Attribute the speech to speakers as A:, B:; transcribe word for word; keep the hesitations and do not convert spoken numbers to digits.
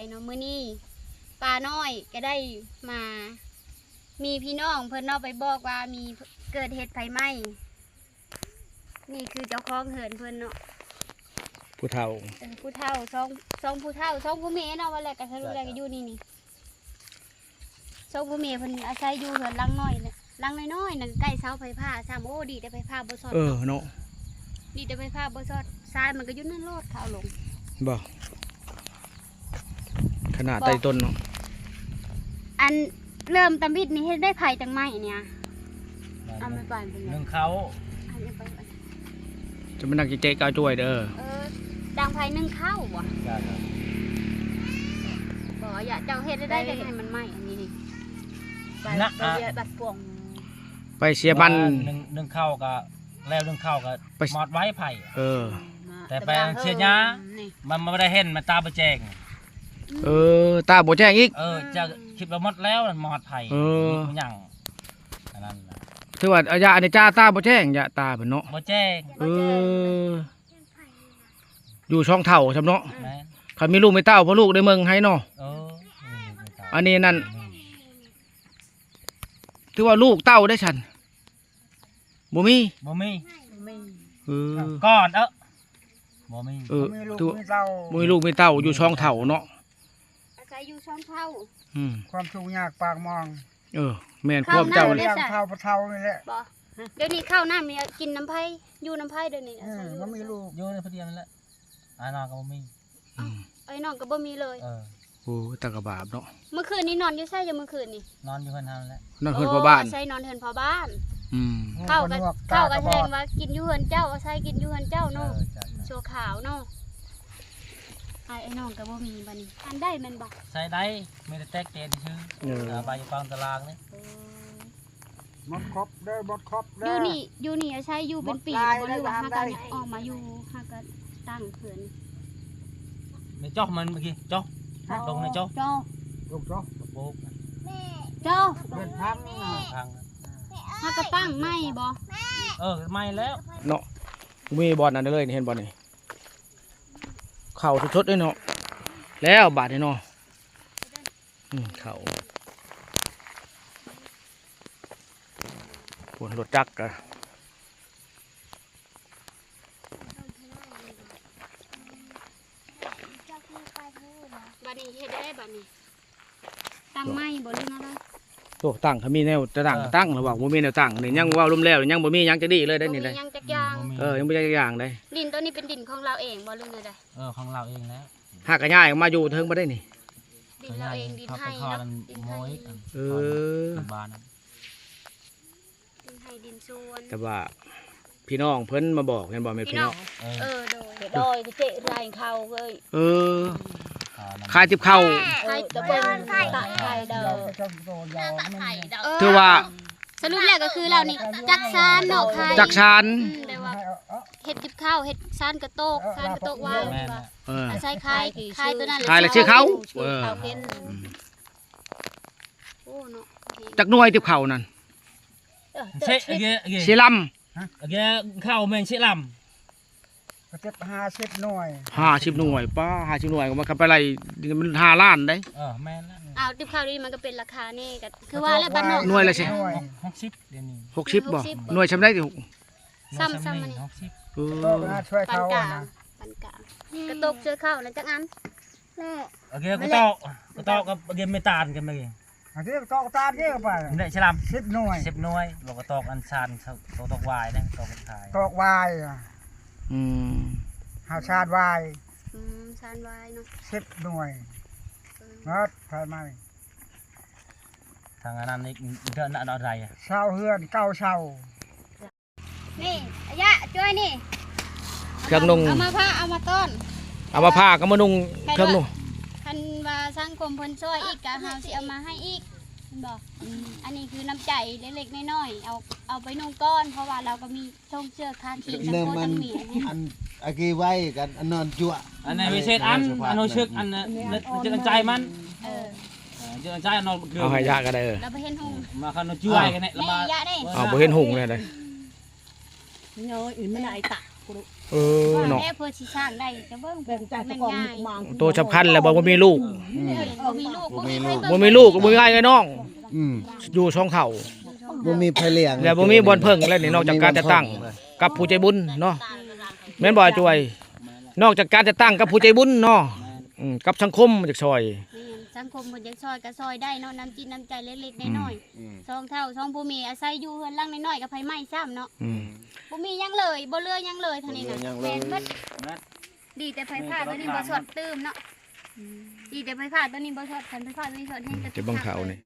A: เนาะมื้อนี้ปลาน้อยก็ได้มา มีพี่น้องเพิ่นเนาะไปบอกว่ามีเกิดเหตุไฟไหม้นี่คือเจ้าของเหินเพิ่นเนาะ
B: ผู้เฒ่า
A: เออผู้เฒ่าสองสองผู้เฒ่าสองผู้เมเนาะว่าแหละก็ทะลุแลก็อยู่นี่นี่สองผู้เมเพิ่นอาศัยอยู่เหินหลังน้อยเนี่ยหลังน้อยๆนั่นใกล้เสาไฟฟ้าซ้ำโอ้ดีแต่ไฟฟ้าบ่สอด
B: เออเนาะ
A: ดีแต่ไฟฟ้าบ่สอดทรายมันก็อยู่นั่นโลดเขาลง
B: บ่ขนาดใต้ต้นเนาะ
A: อันเริ่มตำบิดนี่เฮ็ดได้ไผ่จังไหมเนี่ยเอาไม่ปานเป็นไง
C: หนึ่งเขา
A: อันนี้ไปไป
B: จะมานั่งเจ๊กเอาจ้วยเด้อ
A: เออดังไผ่นึ่งข้าวบ่
C: จ้าครับ
A: บ่อย่าเจ้าเฮ็ดได้ได้ให้มันไหมอันนี้นี่
C: นะอ่ะ
A: บัดป่วง
B: ไปเสียมัน
C: หนึ่งหนึ่งเข้าก็แล้วหนึ่งเข้าก็
B: ไป
C: หมอดไว้ไผ่
B: เออ
C: แต่ไปเชียร์ยามันไม่ได้เห็นมันตาประแจง
B: เออ ตาบ่แจ้งอีก
C: เออจะคิดว่าหมดแล้วหมอดไผ่
B: เออ
C: มันหยังอันนั้นน่ะ
B: ถือว่าอาญาอันนี้จ้าตาบ่แจ้งยะตาเพิ่นเนาะ
C: บ่แจ้ง
B: เออ อยู่ช่องเฒ่าซำเนาะ
C: แม่น
B: คันมีลูกมีเต้าพ่อลูกได้เมืองให้เนาะ
C: เออนี่ไม่ตาย
B: อันนี้นั่นถือว่าลูกเต้าได้ฉันบ่มี
C: บ่มี
B: เออ
C: ก้อนเออบ่มี
B: เออ
D: มีลูก
B: ถือ
D: มีเต้า
B: บ่มีลูกมีเต้าอยู่ช่องเฒ่าเนาะ
A: อาศัยอยู่ช่องเท่า
B: อืม
D: ความทุกข์ยากปากมอง
B: เออ แม่นความเจ้า
A: ข้
B: เลย
D: เลี้ยงเท่าปะเท่านี่แหละ
A: บ่เดี๋ยวนี้ข้าวหน้ามีกินน้ำไผ่อยู่น้ำไผ่เดี๋ยวนี้
D: เออมันมีลูก
C: อยู่ในพอดีนั่นแหละอานอนก็บ่มี
B: อืม
A: ไอ้น้องก็บ่มีเลย
C: เออ
B: โอ้ตะกะบาปเนาะ
A: เมื่อคืนนี้นอนอยู่ไสอยู่เมื่อคืนนี่
C: นอนอยู่เพิ่นเฮานั่นแหละ
B: นั่นเพิ่นพ่อบ้าน
A: อาศัยนอนเฮือนพ่อบ้าน
B: อืม
A: เข้ากัน
D: หนว
A: เข้า
D: ต
A: กัน
D: บ
A: แส
D: อ
A: ด
D: ด
A: งว่ากินอยู่เฮือนเจ้าอาศัยกินอยู่เฮือนเจ้า
C: เอ
A: เนาะ
C: อจ้ะ
A: โชว์ขาวเนาะไอ้ไอ้น้องก็บ่มีบัดนี้อันได้แม่นบ่
C: ใส่ได้ไม่ได้แตกเตนชื่อ
B: เออ
C: เออใบอยู่กลางตารางนี่
A: เออ
D: หมดครบเด้อหมดครบ
A: อ
D: เด้
A: ยู่
D: อ
A: นี่อยู่นี่อาศัยอยู่เป็นปี
D: หมดลาย
A: บ่หรือว่า
D: ได้
A: หา
D: ได้
A: กันออกมาอยู่หากันตั้งเขื่อน
C: ไม่จ้อกมันเมื่อกี้จ้อกลงในจ้อก
A: เจ้า
D: ลูกเจ้า
C: โป๊ก
A: เจ้า
D: เป็นพังนะ
C: พัง
A: หากระตั้งไม่บ่
C: เออไม่แล้ว
B: เนาะมีบอลนั่นเลยนี่เห็นบอลนี่เข่าชุดๆด้วยเนาะแล้วบาดนี่เนาะอืมเข่าปวดรถจักรอะ
A: บัดนี้เฮ็ดได้บัดนี้ตั้งไม่บ่หรืออะไร
B: โอ้ตั้งเขามีแนวจะตั้งก็ตั้งระหว่างบ่มีแนวตั้งนี่ยังเว่าล้มแล้วยังบ่มียังจะดีเลยได้นี่เลย
A: บ่มีหยังจักอย่าง
B: เออยังบ่ได้จักอย่างเลย
A: ดินตัวนี้เป็นดินของเราเองบ่หรือไงได้
C: เออของเราเองแล้ว
B: หากกระย่ายมาอยู่เทิงบ่ได้นี่
A: ดินเราเองดินให้
C: คอ
A: เนาะ
C: มัน
A: ดิน
C: โม
A: ให้
C: ย
B: เออ
C: บ้าน
A: ดินให้ดินสวน
B: แต่ว่าพี่น้องเพิ่นมาบอกเห็นบ่แม่พี่น้อง
C: เออ
A: เออโดย
E: โดยเจ๊ไรเขาเลย
B: เออขายติบเข้าว
E: ใครจะเป็นตะไคร้เด้อ
D: เราก็จะโดนยาวมัน
A: เ
B: ถือว่า
A: สรุปแล้วก็คือเรานี่จักซานเนาะใคร
B: จักชาน
A: อืมแต่ว่า
D: ให้เอาเอา
A: เฮ็ดจิบข้าวเฮ็ดซานกระโตกซานกระโตกวาง
C: แม่
A: ว่า
B: เออ
A: อาศัยคายคายตัวนั้น
B: ขายแล้วชื่อเขาเออ
E: เขาเป็น
A: โอ้เนาะ
B: จักหน่วยติบเข้าวนั่น
C: เช็ดเกะเกะ
B: สิล
C: เกะเข้าเมงเช็ดล
D: ก็เจ็บห้าสิบหน่วย
B: ำห้าสิบหน่วยป้าห้าสิบหน่วยก็มันก็ไปไล่มันห้าล้านได้
C: ำเออแม่นแล้ว
A: อ้าวจิบข้าวนี่มันก็เป็นราคานี่ก็คือว่าแล้วบ้านนอก
B: หน่วยละสิ
D: หน่วย
C: หกสิบเดี๋ยวนี้
B: หกสิบบ่หน่วยชำได้ที่หก
A: ซ้ำซ้ำมันนี่
C: หกสิบ
B: เอ
D: ก็
B: อ
D: น่าช่วย
A: ปาน
D: เขา
A: กลา
D: อะ
A: ง
D: นะ
A: ปานกลางกระโตกเจอข้าวนะจักอันแม่
C: โอเคกูตอกกูตอกกับเกมไม่ตานกันเมื่อกี้
D: อันที่ตอกตาเนี่ยไป
C: ได้ฉลาม
D: สิบหน่วย
C: สิบหน่วยบอกว่าตอกอันซานตอกตอกวายนะตอกกันขาย
D: ตอกวายอะ
B: อืม
D: หาชาติวาย
A: อืมซานวายเนาะ
D: สิบหน่วย
A: เออ
D: เนาะใช่ไหม
C: ทางอันนั้นนี่เดือนอะไรอ่ะ
D: เช่าเฮือนเก้าเช่า
A: นี่อายะช่วยนี่
B: เครื่องนุ่ง
A: เอามาผ้าเอามาต้น
B: เอามาผ้าก็มานุ่งเครื่องนุ่ง
A: คันว่าสังคมเพิ่นช่วยอีกก็เฮาสิเอามาให้อีกเพิ่นบอกอืมอันนี้คือน้ำใจเล็กๆน้อยๆเอาเอาไปนุ่งก้อน เพราะว่าเราก็มีช่องเชือกคาขีทั้งโคทั้งเหมียน
F: อันอากีไว้กันอันนอนจั่ว
C: อันนี้ไม่ใช่อันอันโนชึกอันนั้นจะตั้งใจมัน
A: เออ
C: จะตั้งใจอันนอน
B: เอาให้ยากก็ได้เออ
A: เราไปเห็นหง
C: มาคันโนช่วยกันเนี่ย
A: แม่ยะได้
B: เอาบ่เห็นหุ่งเลยเลย
E: โยอื่นมันไหนตะ
B: เออเนาะ
A: แม่เพื่อสิสร้างได้จะเบิ่ง
E: แบ่งใจ
A: แม่
E: ตะ
A: น
E: กอน
A: ง่าย
E: มาง
B: ตัวสำคัญแหละบ่บ่มีลูก
F: อืม
A: บ่มีลูก
F: บ่มีลูก
B: บ่มีลูกบ่มีง่ายเลยน้อง
F: อืม
B: อยู่ช่องเขา
F: บ่มีไผเลี้ยง
B: แล้วบ่มีบอนเพิ่งแล้วนี่นอกจากการจะตั้งกับผู้ใจบุญเนาะแม่นบ่จวยนอกจากการจะตั้งกับผู้ใจบุญเนาะอืมกับสังคมจากซอย
A: แม่นสังคมเพิ่นอยากซอยก็ซอยได้เนาะน้ำจิตน้ำใจเล็กๆน้อย
F: อืม
A: ๆสองเท่าสองผู้มีอาศัยอยู่เฮือนหลังน้อยๆกับไผไหม้ซ้ำเนาะ
B: อืม
A: บ่มีหยังเลยบ่เหลือหยังเลยเท่านี้น่ะ
F: บ่เหลือหยังเลย
A: แม่นเบิดดีแต่ไผผ้าตัวนี้บ่สดตื้มเนาะดีแต่ไผผ้าตัวนี้บ่สดคันไผผ้าตัวนี้สดแห้ง
B: จะเบิ่งเขานี่